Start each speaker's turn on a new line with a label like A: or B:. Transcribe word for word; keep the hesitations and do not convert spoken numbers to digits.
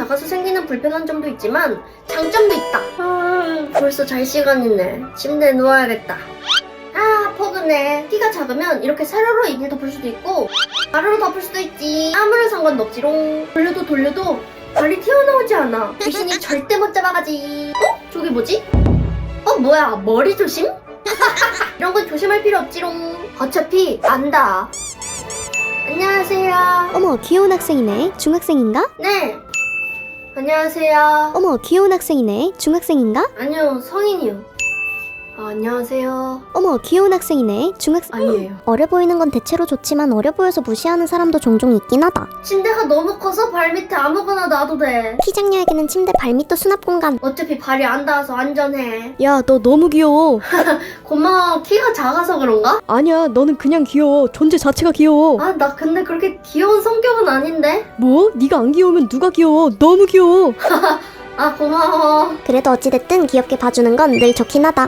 A: 작아서 생기는 불편한 점도 있지만 장점도 있다. 아, 벌써 잘 시간이네. 침대에 누워야겠다. 아, 포근해. 키가 작으면 이렇게 세로로 이불 덮을 수도 있고 가로로 덮을 수도 있지. 아무런 상관도 없지롱. 돌려도 돌려도 발이 튀어나오지 않아. 귀신이 절대 못 잡아가지. 어? 저기 뭐지? 어, 뭐야, 머리 조심? 이런 건 조심할 필요 없지롱. 어차피 안다. 안녕하세요.
B: 어머, 귀여운 학생이네. 중학생인가?
A: 네. 안녕하세요.
B: 어머, 귀여운 학생이네. 중학생인가?
A: 아니요, 성인이요. 아, 안녕하세요.
B: 어머, 귀여운 학생이네. 중학생.
A: 아니에요.
B: 어려 보이는 건 대체로 좋지만 어려 보여서 무시하는 사람도 종종 있긴 하다.
A: 침대가 너무 커서 발 밑에 아무거나 놔도 돼.
B: 키 작녀에게는 침대 발밑도 수납 공간.
A: 어차피 발이 안 닿아서 안전해.
C: 야, 너 너무 귀여워.
A: 고마워. 키가 작아서 그런가?
C: 아니야, 너는 그냥 귀여워. 존재 자체가 귀여워.
A: 아, 나 근데 그렇게 귀여운 성격은 아닌데?
C: 뭐? 네가 안 귀여우면 누가 귀여워? 너무 귀여워.
A: 아, 고마워.
B: 그래도 어찌됐든 귀엽게 봐주는 건 늘 좋긴 하다.